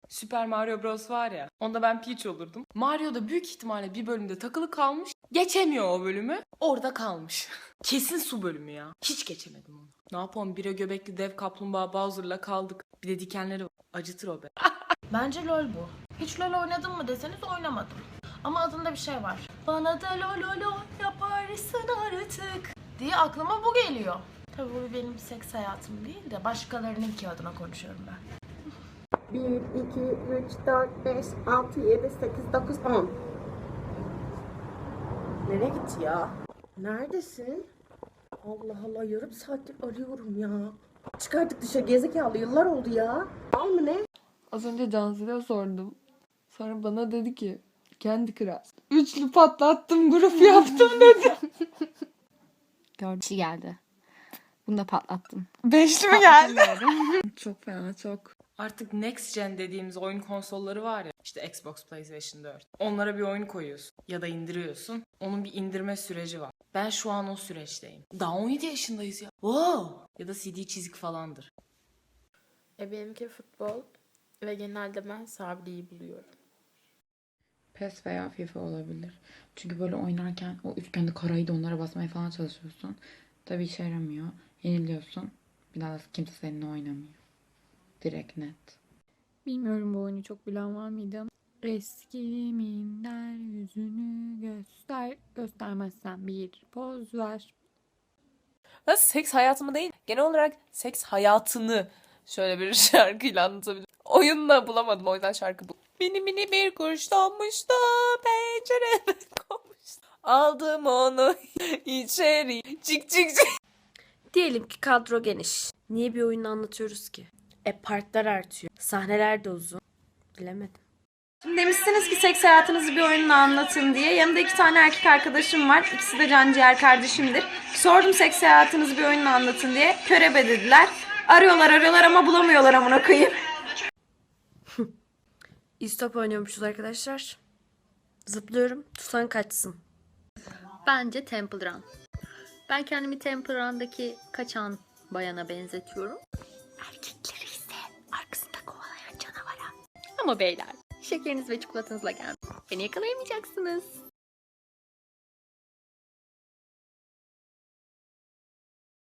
Super Mario Bros var ya. Onda ben Peach olurdum. Mario da büyük ihtimalle bir bölümde takılı kalmış. Geçemiyor o bölümü. Orada kalmış. Kesin su bölümü ya. Hiç geçemedim onu. Ne yapalım, bire göbekli dev kaplumbağa Bowser'la kaldık. Bir de dikenleri var. Acıtır o be. Bence LOL bu. Hiç LOL oynadın mı deseniz oynamadım. Ama adında bir şey var. Bana da LOL yaparsın artık diye aklıma bu geliyor. Tabii bu benim seks hayatım değil de başkalarınınki adına konuşuyorum ben. 1, 2, 3, 4, 5, 6, 7, 8, 9, 10. Nereye gitti ya? Neredesin? Allah Allah, yarım saattir arıyorum ya. Çıkardık dışarı, gezekalı, yıllar oldu ya. Al mı ne? Az önce Cansu'ya sordum. Sonra bana dedi ki Candy Crush. Üçlü patlattım, grup yaptım dedi. Gördüm. Kişi geldi. Bunu da patlattım. Beşli mi geldi? Çok fena, çok. Artık next gen dediğimiz oyun konsolları var ya. İşte Xbox, PlayStation 4. Onlara bir oyun koyuyorsun ya da indiriyorsun. Onun bir indirme süreci var. Ben şu an o süreçteyim. Daha 17 yaşındayız ya. Wow. Ya da CD çizik falandır. Benimki futbol ve genelde ben Sabri'yi buluyorum. PES veya FIFA olabilir. Çünkü böyle oynarken o üçgende karayı da onlara basmaya falan çalışıyorsun. Tabii işe yaramıyor. Yeniliyorsun. Bir daha kimse seninle oynamıyor. Direkt net. Bilmiyorum bu oyunu çok bilen var mıydı? Eskiminler yüzünü göster. Göstermezsen bir poz ver. Ben seks hayatımı değil, genel olarak seks hayatını şöyle bir şarkıyla anlatabilirim. Oyunla bulamadım, o yüzden şarkı bu. Mini mini bir kuş donmuştu, pencereme konmuştu. Aldım onu içeri, cik cik cik. Diyelim ki kadro geniş. Niye bir oyunu anlatıyoruz ki? Partlar artıyor. Sahneler de uzun. Bilemedim. Şimdi demişsiniz ki seks hayatınızı bir oyunla anlatın diye. Yanımda 2 tane erkek arkadaşım var. İkisi de canciğer kardeşimdir. Sordum seks hayatınızı bir oyunla anlatın diye. Körebe dediler. Arıyorlar ama bulamıyorlar amına koyayım. İstop oynuyormuşuz arkadaşlar. Zıplıyorum. Tutan kaçsın. Bence Temple Run. Ben kendimi Temple Run'daki kaçan bayana benzetiyorum. Erkekleri ise arkasında kovalayan canavara. Ama beyler, şekeriniz ve çikolatanızla gelmeyin. Beni yakalayamayacaksınız.